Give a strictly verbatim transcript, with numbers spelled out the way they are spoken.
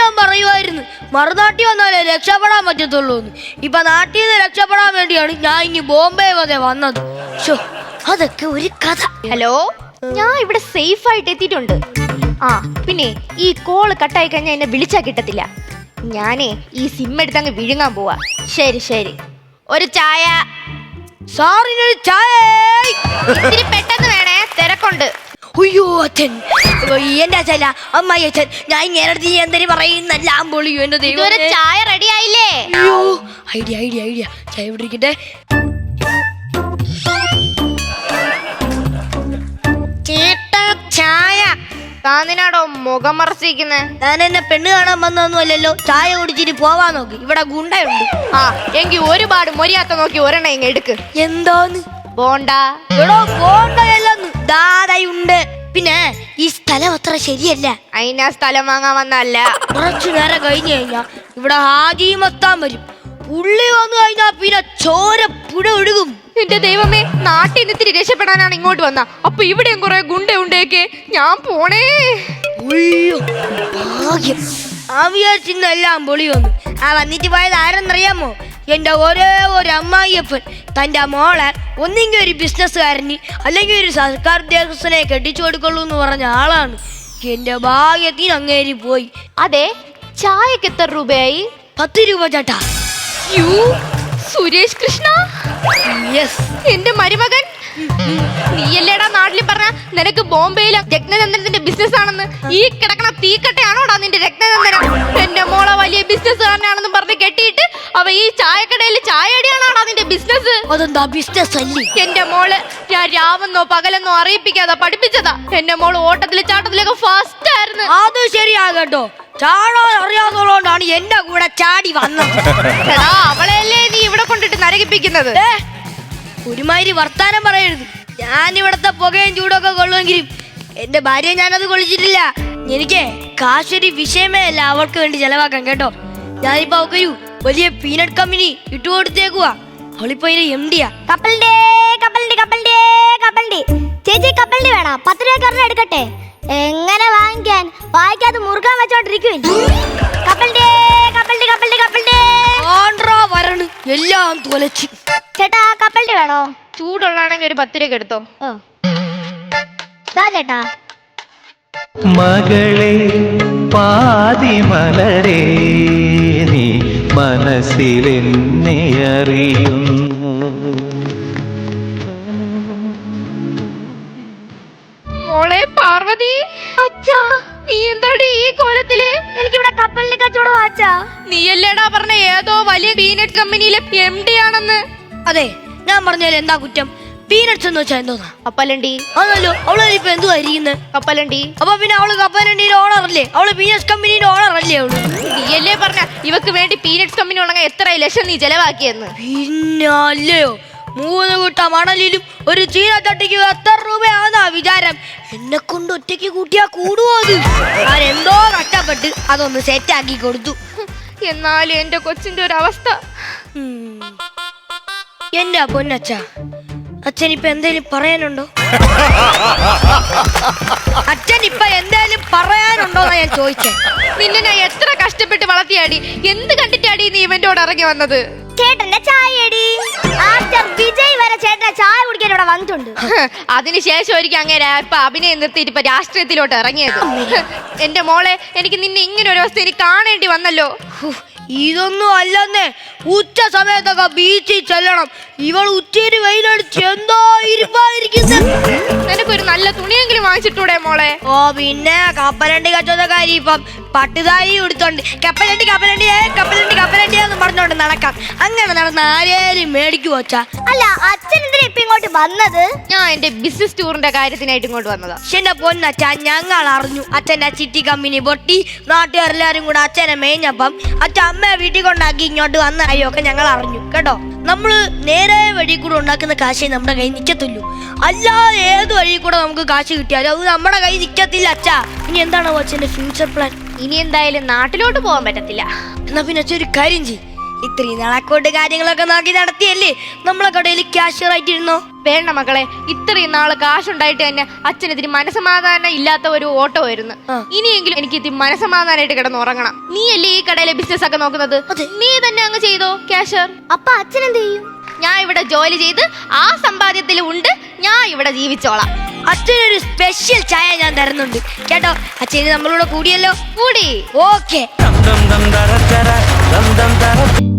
ഞാൻ പറയുമായിരുന്നു മറുനാട്ടിൽ വന്നാലേ രക്ഷപ്പെടാൻ പറ്റത്തുള്ളൂ. ഇപ്പൊ നാട്ടിൽ നിന്ന് രക്ഷപ്പെടാൻ വേണ്ടിയാണ് ഞാൻ ഇനി ബോംബെ വരെ വന്നത്. അതൊക്കെ ഒരു കഥ. ഹലോ, ഞാൻ ഇവിടെ സേഫ് ആയിട്ട് എത്തിയിട്ടുണ്ട്. ആ പിന്നെ ഈ കോള് കട്ടായി കഴിഞ്ഞാൽ എന്നെ വിളിച്ചാ കിട്ടത്തില്ല. ഞാനേ ഈ സിം എടുത്തങ്ങ് വിഴുങ്ങാൻ പോവാ. ശരി ശരി, ഒരു ചായ. സാറിനൊരു ചായ. ഇത്തിരി പെട്ടെന്ന് വേണേ, തിരക്കുണ്ട്. അയ്യോ അച്ഛൻ, എന്റെ അച്ഛല്ല അമ്മായി അച്ഛൻ, ഞാൻ ഇങ്ങനെ എന്തിനു പറയുന്നെല്ലാം പൊളിയോ എന്റെ ദൈവം. ഇതുവരെ ചായ റെഡി ആയില്ലേ? അയ്യോ, ഐഡിയ ഐഡിയ ഐഡിയ ചായ പിടിക്കട്ടെ. ചായ താന്നിനാടോ മുഖം മറച്ചിരിക്കുന്നേ? ഞാൻ എന്നെ പെണ്ണ് കാണാൻ വന്നൊന്നും അല്ലല്ലോ. ചായ കുടിച്ചിട്ട് പോവാൻ നോക്ക്, ഇവിടെ ഗുണ്ടയുണ്ട്. ആ എങ്കി ഒരുപാട് മൊരിയാത്ത നോക്കി ഒരെണ്ണം ഇങ്ങ് എടുക്ക്. എന്താന്ന്? ബോണ്ട. എടോ ബോണ്ടയല്ലെന്ന്, ദാതയുണ്ട്. പിന്നെ ഈ സ്ഥലം അത്ര ശരിയല്ല. അതിനാ സ്ഥലം വാങ്ങാൻ വന്നല്ല. കുറച്ചു നേരം കഴിഞ്ഞു കഴിഞ്ഞാ ഇവിടെ ഹാജി മത്താൻ വരും. പുള്ളി വന്നു കഴിഞ്ഞാ പിന്നെ ചോര പുഴ ഒഴുകും. എന്റെ ദൈവമേ, നാട്ടിൽ നിന്ന് ഇത്തിരി രക്ഷപ്പെടാനാണ് ഇങ്ങോട്ട് വന്ന. അപ്പൊ ഇവിടെയും കുറെ ഗുണ്ട ഉണ്ടേക്ക്. ഞാൻ പോണേ. ഭാഗ്യം, ആ വിചാരിച്ചിന്നെല്ലാം പൊളി വന്നു. ആ വന്നിട്ട് പോയത് ആരെന്നറിയാമോ? എന്റെ ഒരേ ഒരു അമ്മായിയപ്പൻ തന്റെ മോളെ ഒന്നെങ്കിൽ ഒരു ബിസിനസ്സുകാരന് അല്ലെങ്കിൽ ഒരു സർക്കാർ ഉദ്യോഗസ്ഥനെ കെട്ടിച്ചു കൊടുക്കുള്ളൂ എന്ന് പറഞ്ഞ ആളാണ്. എന്റെ ഭാഗ്യത്തിന് അങ്ങേരി പോയി. അതെ, ചായക്ക് എത്ര രൂപയായി? പത്ത് രൂപ ചേട്ടാ. യു സുരേഷ് കൃഷ്ണ, എന്റെ മരുമകൻ. നീയല്ലേടാ നാട്ടിൽ പറഞ്ഞ നിനക്ക് ബോംബെയിലെ രത്നചന്ദ്രന്റെ ബിസിനസ് ആണെന്ന്? ഈ കിടക്കണ തീക്കട്ടയാണോടാ നിന്റെ രത്നചന്ദ്രൻ? എന്റെ മോളെ വലിയ ബിസിനസ്സുകാരനാണെന്ന് പറഞ്ഞ് കെട്ടിയിട്ട് അവ ഈ ചായക്കടയിൽ ചായടിയാണോടാ നിന്റെ ബിസിനസ്? അതെന്താ ബിസിനസ് അല്ലേ? എന്റെ മോള് ഞാൻ രാവെന്നോ പകലെന്നോ അറിയിപ്പിക്കാതെ പഠിപ്പിച്ചതാ. എന്റെ മോള് ഓട്ടത്തില് ചാട്ടത്തിലൊക്കെ ഫസ്റ്റ് ആയിരുന്നു. അത് ശരിയാകട്ടോ, ചാടാൻ അറിയാവുന്നതുകൊണ്ടാണ് എന്റെ കൂടെ ചാടി വന്നത്. അവളെയല്ലേ നീ ഇവിടെ കൊണ്ടിട്ട് നരകിപ്പിക്കുന്നത്? ഒരുമാതിരി വർത്താനം പറയരുത്. ഞാൻ ഇവിടത്തെ പുകയും ചൂടൊക്കെ കൊള്ളുമെങ്കിലും എന്റെ ഭാര്യ ഞാനത് കൊള്ളിച്ചിട്ടില്ല. എനിക്ക് കാശൊരു വിഷയമേ അല്ല അവൾക്ക് വേണ്ടി ചെലവാക്കാൻ, കേട്ടോ. ഞാനിപ്പോ അവക്കൊരു വലിയ പീനട്ട് കമ്പനി ഇട്ടുകൊടുത്തേക്കുവാ. അവളിപ്പോ എം ഡിയാ. കപ്പലിന്റെ കപ്പലിന്റെ കപ്പലിന്റെ കപ്പലിന്റെ ചേച്ചി കപ്പലിന്റെ വേണം. പത്ത് രൂപ എടുക്കട്ടെ? എങ്ങനെ വാങ്ങിക്കാൻ? വായിക്കാതെ മുറുകാൻ വെച്ചോണ്ടിരിക്കും. കപ്പലിന്റെ കപ്പലിന്റെ കപ്പലിന്റെ കപ്പലിന്റെ ആണ്ട്രാ വരണ് എല്ലാം തുലച്ച്. ചേട്ടാ കപ്പലിന്റെ വേണോ? ചൂടുള്ളാണെങ്കിൽ ഒരു പത്ത് രൂപ എടുത്തോ. ചേട്ടാ മകളെ പാതിമലരേ, നീ മനസ്സിലെന്നെ അറിയുന്നു. മോളെ പാർവതി, അച്ഛാ നീ എന്താടി ഈ കോലത്തില്? എനിക്കിവിടെ കപ്പലിന്റെ കച്ചവടം അച്ഛാ. നീയല്ലേടാ പറഞ്ഞ ഏതോ വലിയ പീനട്ട് കമ്പനിയിലെ എം ഡി ആണെന്ന്? അതെ, ഞാൻ പറഞ്ഞാൽ എന്താ കുറ്റം? പീനട്സ് എന്ന് വെച്ചാൽ എന്തോന്നാ? കപ്പലണ്ടി. അതല്ലോ, അവള് ഇപ്പൊ എന്തുവാ ഇരിക്കുന്നത്? കപ്പലണ്ടി. അപ്പൊ പിന്നെ അവള് കപ്പലണ്ടിയുടെ ഓണർ അല്ലേ? അവള് പീനട്സ് കമ്പനിയുടെ ഓണർ അല്ലേ അവള്? നീയല്ലേ പറഞ്ഞ ഇവക്ക് വേണ്ടി പീനട്സ് കമ്പനി ഉണ്ടെങ്കിൽ എത്ര ലക്ഷം നീ ചെലവാക്കിയെന്ന്? പിന്നെ അല്ലയോ, മൂന്ന് കൂട്ട മണലിലും ഒരു ചീനച്ചട്ടിക്ക് എത്ര രൂപയാണെന്നാ വിചാരം? എന്നെ കൊണ്ട് ഒറ്റയ്ക്ക് കൂട്ടിയാ കൂടുവോ? അത് ഞാൻ എന്തോ കഷ്ടപ്പെട്ട് അതൊന്ന് സെറ്റാക്കി കൊടുത്തു. എന്നാലും എന്റെ കൊച്ചിന്റെ ഒരു അവസ്ഥ. എന്റെ പൊന്നച്ഛ, അച്ഛൻ ഇപ്പൊ എന്തേലും പറയാനുണ്ടോ? അച്ഛൻ ഇപ്പൊ എന്തേലും പറയാനുണ്ടോന്നാ ഞാൻ ചോദിച്ചേ. നിന്നെ ഞാൻ എത്ര കഷ്ടപ്പെട്ട് വളർത്തിയാടി. എന്ത് കണ്ടിട്ടാടി നീ ഇവന്റോട് ഇറങ്ങി വന്നത്? ചേട്ടന്റെ ചായടി. ആക്ടർ വിജയ് വരെ ചേട്ടന്റെ ചായ കുടിക്കാൻ ഇവിടെ വന്നിട്ടുണ്ട്. അതിനുശേഷം ഒരിക്കൽ അങ്ങനെ ഇപ്പൊ അഭിനയം നിർത്തിയിട്ട് ഇപ്പൊ രാഷ്ട്രീയത്തിലോട്ട് ഇറങ്ങിയത്. എന്റെ മോളെ, എനിക്ക് നിന്നെ ഇങ്ങനെ ഒരു അവസ്ഥ എനിക്ക് കാണേണ്ടി വന്നല്ലോ. ഇതൊന്നും അല്ലെന്നേ, ഉച്ച സമയത്തൊക്കെ ബീച്ചിൽ ചെല്ലണം. ഇവൾ ഉച്ചയിൽ വെയിലടിച്ച് എന്തോ ഇരിപ്പായിരിക്കുന്നത്. നിനക്കൊരു നല്ല തുണിയെങ്കിലും വാങ്ങിച്ചിട്ടൂടെ മോളെ? ഓ പിന്നെ, കപ്പലണ്ടി കച്ചവടക്കാരി ഇപ്പം പട്ടുതാരി കൊടുത്തോണ്ട് കപ്പലണ്ടി കപ്പലണ്ടി കപ്പലണ്ടി കപ്പലണ്ടിയാന്ന് പറഞ്ഞോണ്ട് നടക്കാം. അങ്ങനെ നടന്ന ആരേലും മേടിക്കു വച്ചാ? അല്ല, അച്ഛൻ എന്തിനാ ഇപ്പൊ ഇങ്ങോട്ട് വന്നത്? ഞാൻ എന്റെ ബിസിനസ് ടൂറിന്റെ കാര്യത്തിനായിട്ട് ഇങ്ങോട്ട് വന്നതാ. അച്ഛന്റെ പൊന്നച്ഛ, ഞങ്ങൾ അറിഞ്ഞു അച്ഛന്റെ ചിട്ടി കമ്പനി പൊട്ടി. നാട്ടുകാരെല്ലാരും കൂടെ അച്ഛനെ മേഞ്ഞപ്പം അച്ഛൻ അമ്മയെ വീട്ടിൽ കൊണ്ടാക്കി ഇങ്ങോട്ട് വന്ന കാര്യമൊക്കെ ഞങ്ങൾ അറിഞ്ഞു, കേട്ടോ. നമ്മള് നേരെ വഴി കൂടെ ഉണ്ടാക്കുന്ന കാശേ നമ്മുടെ കൈ നിൽക്കത്തുള്ളൂ. അല്ലാതെ ഏത് വഴി കൂടെ നമുക്ക് കാശ് കിട്ടിയാലും അത് നമ്മുടെ കൈ നിൽക്കത്തില്ല അച്ഛാ. ഇനി എന്താണ് അച്ഛന്റെ ഫ്യൂച്ചർ പ്ലാൻ? ഇനി എന്തായാലും നാട്ടിലോട്ട് പോകാൻ പറ്റത്തില്ല. എന്നാ പിന്നെ അച്ഛൻ ഒരു കാര്യം ചെയ്യും. ഇത്രയും നാളക്കോട്ട് കാര്യങ്ങളൊക്കെ നോക്കി നടത്തിയല്ലേ നമ്മളെ കടയിൽ ക്യാഷ്യർ ആയിട്ടിരുന്നോ? വേണ്ട മക്കളെ, ഇത്രയും നാള് കാശുണ്ടായിട്ട് തന്നെ അച്ഛനെതിരി മനസമാധാനം ഇല്ലാത്ത ഒരു ഓട്ടമായിരുന്നു. ഇനിയെങ്കിലും എനിക്ക് ഇത്തിരി മനസമാധാനമായിട്ട് കിടന്ന് ഉറങ്ങണം. നീയല്ലേ ഈ കടയിലെ ബിസിനസ് ഒക്കെ നോക്കുന്നത്, നീ തന്നെ അങ്ങ് ചെയ്തോ ക്യാഷർ. അപ്പൊ അച്ഛൻ എന്ത് ചെയ്യും? ഞാൻ ഇവിടെ ജോലി ചെയ്ത് ആ സമ്പാദ്യത്തിൽ ഉണ്ട് ഞാൻ ഇവിടെ ജീവിച്ചോളാം. അച്ഛനൊരു സ്പെഷ്യൽ ചായ ഞാൻ തരുന്നുണ്ട് കേട്ടോ. അച്ഛന് നമ്മളോട് കൂടിയല്ലോ. കൂടി ഓക്കെ. ദം ദം ദം ദര ദര ദം ദം ദര